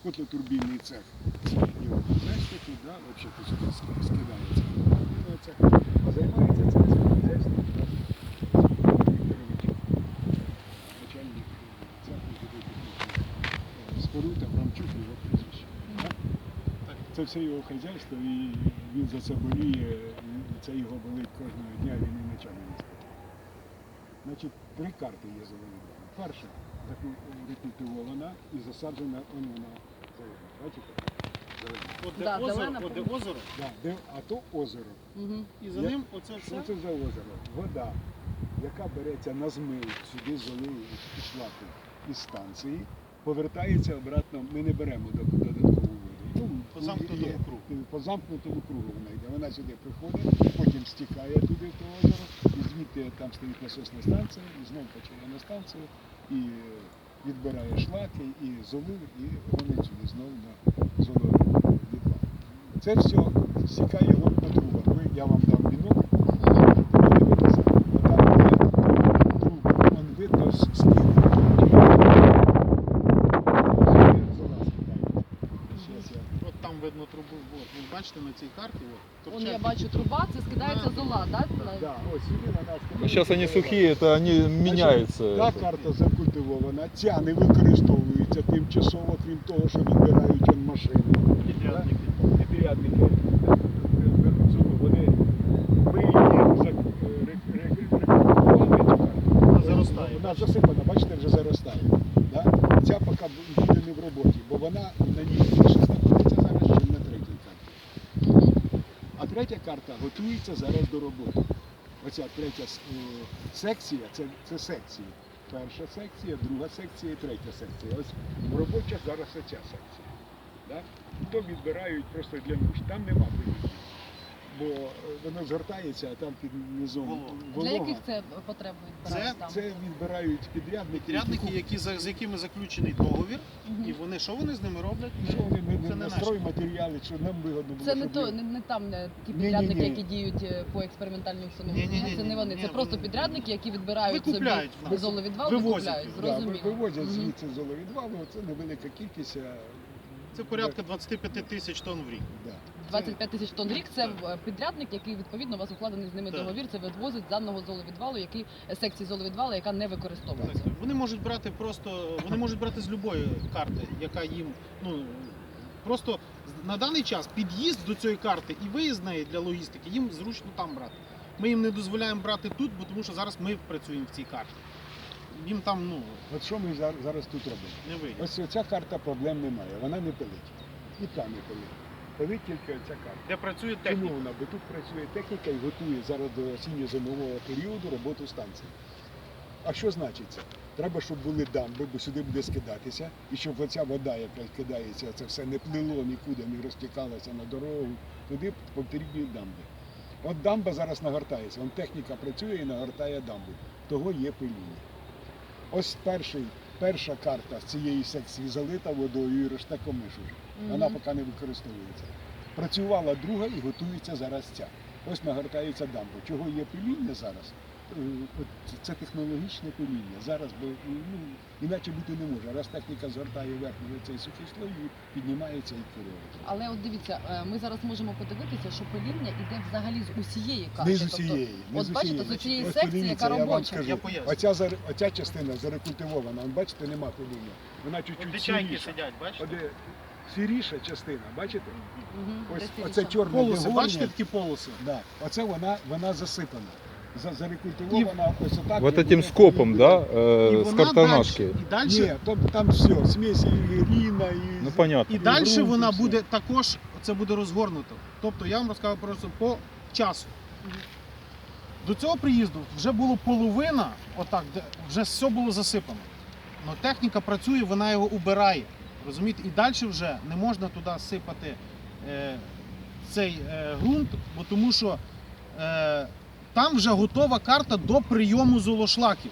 котлотурбінний цех. Його хазяйство тут, да, взагалі тут сюди скидається. А займається цим хазяйством начальник цеху гідротехнічних споруд Абрамчук, його прізвище. Це все його хазяйство, і він за це боліє, і це його болить кожного дня, він і нічого не спить. Значить, 3 карти є завалена. Перша рекультивована і засаджена, вона зелена. Бачите? Де озеро? Да, а то озеро. І за ним оце все? Що це за озеро? Вода, яка береться на змив, сюди золив і шлаки із станції, повертається обратно, ми не беремо додаткову воду. По замкнутому кругу. По замкнутому кругу вона йде. Вона сюди приходить, потім стікає туди в те озеро, і звідти там стоїть насосна станція, і знову почає на станцію, і відбирає шлаки, і золив, і гонить сюди знову на золовий відвал. Це все стікає по трубам. Я вам дам вінок, подивитися, отам є труби, вон видно скид. От там видно трубу, от, ви бачите на цій карті, от, Вон я бачу труба, це скидається зола, так? Да, ось сюди вона Ну, сейчас они сухие, это они меняются. Та карта закультивована, ця не використовується тимчасово, крім того, що відбирають он машини. підрядники. Підрядники беруть зону, вони рекультивували цю карту. Вона заростає. Вона засипана, бачите, вже заростає. Да? Ця поки буде не в роботі, бо вона на ній більше знаходиться зараз, ніж на третій карті. А третя карта готується зараз до роботи. Оця третя секція, це секції. Перша секція, друга секція і третя секція. Ось робоча зараз оця секція. Да? То відбирають просто для нужд. Там нема виїздів, бо воно згортається, а там під низом волога. Для яких це потреб відбирають там? Це відбирають підрядники. Підрядники, з якими заключений договір, і вони, що вони з ними роблять? Що вони Це не на наше. стройматеріали, що нам вигодно було. Це не щоб то, ми- не там ті Ні-ні-ні. підрядники, які діють по експериментальній установі. Ні-ні-ні. Це не вони, це Ні, просто вони- підрядники, які відбирають собі Викупляють в нас. золовідвал, Вивозять викупляють, його. Да, зрозуміло. вивозять Мгм. звідси золовідвалу, це невелика кількість. Це порядка 25 тисяч тонн в рік. Да. 25 тисяч тонн в рік це підрядник, який відповідно у вас укладений з ними Так. договір, це відвозить з даного золовідвалу, секції золовідвалу, яка не використовується. Вони можуть брати вони можуть брати з будь-якої карти, яка їм, просто на даний час під'їзд до цієї карти і виїзд з неї для логістики їм зручно там брати. Ми їм не дозволяємо брати тут, бо тому що зараз ми працюємо в цій карті. Їм там, От що ми зараз тут робимо? не вийде. Ось ця карта проблем немає, вона не пилить. І та не пилить. Пилить тільки ця карта. Де працює Чому техніка. вона? Бо тут працює техніка і готує зараз до осінньо-зимового періоду роботу станції. А що значить це? Треба, щоб були дамби, бо сюди буде скидатися, і щоб оця вода, яка кидається, це все не плило нікуди, не розтікалося на дорогу, туди потрібні дамби. От дамба зараз нагортається, вон техніка працює і нагортає дамбу. Того є пиління. Ось перша карта з цієї секції залита водою і решта комиш уже. Вона поки не використовується. Працювала друга і готується зараз ця. Ось нагортається дамба. Чого є пиління зараз? Це технологічне пиління. Зараз іначе бути не може. Раз техніка згортає верхній цей сухий слой, піднімається і керується. Але от дивіться, ми зараз можемо подивитися, що пиління йде взагалі з усієї карти. Не з усієї. От бачите, з цієї Ось секції, подивіться, яка я вам робоча. скажу. Я поясню. Оця частина зарекультивована, бачите, нема пиління. Вона чуть-чуть сіріша. сидять, бачите? Оде сіріша частина, бачите? Мгм, Ось десь оце рішено. чорне Полоси, дегорня. бачите такі полоси? Да. Оце вона засипана. Зарекультивована ось отак. Вот і этим буде скопом, да, І с вона картонашки. далі, Ні, там все, смесь і гліна, і... Ну понятно. і далі ґрунт, вона і все. буде також, це буде розгорнуто. Тобто я вам розказав просто по часу. До цього приїзду вже було половина, отак, де вже все було засипано. Но техніка працює, вона його убирає. Розумієте? І далі вже не можна туди сипати цей ґрунт, бо тому що там вже готова карта до прийому золошлаків.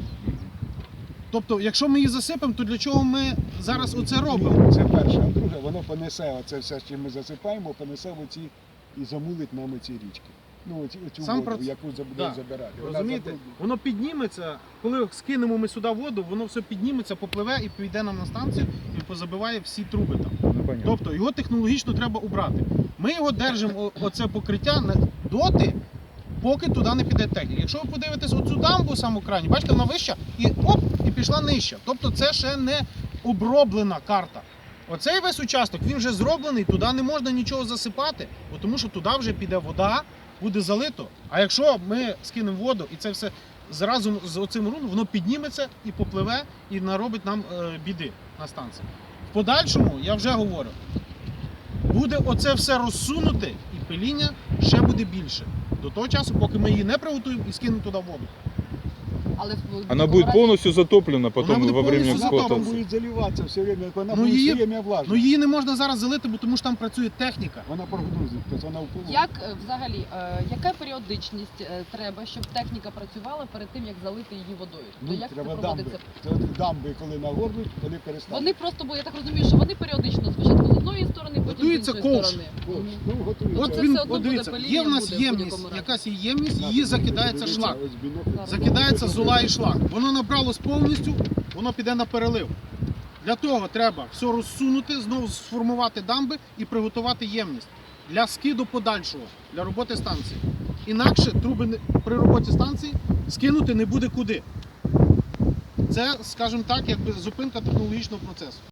Тобто, якщо ми її засипемо, то для чого ми зараз оце робимо? Це перше. А друге, воно понесе оце все, що ми засипаємо, понесе в оці і замулить нам оці річки. Ну, цю Сам воду, проц- яку буде Да. забирати. Вона Розумієте? забруднює. Воно підніметься, коли скинемо ми сюди воду, воно все підніметься, попливе і піде нам на станцію і позабиває всі труби там. Ну, понятно. Тобто його технологічно треба убрати. Ми його держимо, оце покриття доти, поки туди не піде техніка. Якщо ви подивитесь оцю дамбу саму крайню, бачите, вона вища і оп, і пішла нижча. Тобто це ще не оброблена карта. Оцей весь участок, він вже зроблений, туди не можна нічого засипати, бо тому що туди вже піде вода, буде залито. А якщо ми скинемо воду і це все разом з оцим руном, воно підніметься і попливе, і наробить нам біди на станції. В подальшому, я вже говорю, буде оце все розсунуте і пиління ще буде більше. До того часу, поки ми її не приготуємо і скинемо туди воду. Але Она будет полностью затоплена потом будет во время полностью Вона затоплена. там эксплуатации. буде заливатися все время, вона Ну, буде її- все время влажна. Ну її не можна зараз залити, бо тому що там працює техніка. Вона прогрузить, тобто вона впливає. Як взагалі, яка періодичність треба, щоб техніка працювала перед тим, як залити її водою? Ну, То як це треба дамби. проводиться? Це дамби, коли нагорнуть, вони перестануть. Вони просто, бо я так розумію, що вони періодично спочатку з одної сторони, потім Готується з іншої ковш. сторони. Ось, Мгм. ну, готується. От Це він, все одно от дивіться, буде є в нас паління, буде в ємність, будь-якому разі. якась є ємність, її закидається шлак. Ось бінокль. Закидається зола і шлак. Воно набралось повністю, воно піде на перелив. Для того треба все розсунути, знову сформувати дамби і приготувати ємність для скиду подальшого, для роботи станції. Інакше труби при роботі станції скинути не буде куди. Це, скажімо так, якби зупинка технологічного процесу.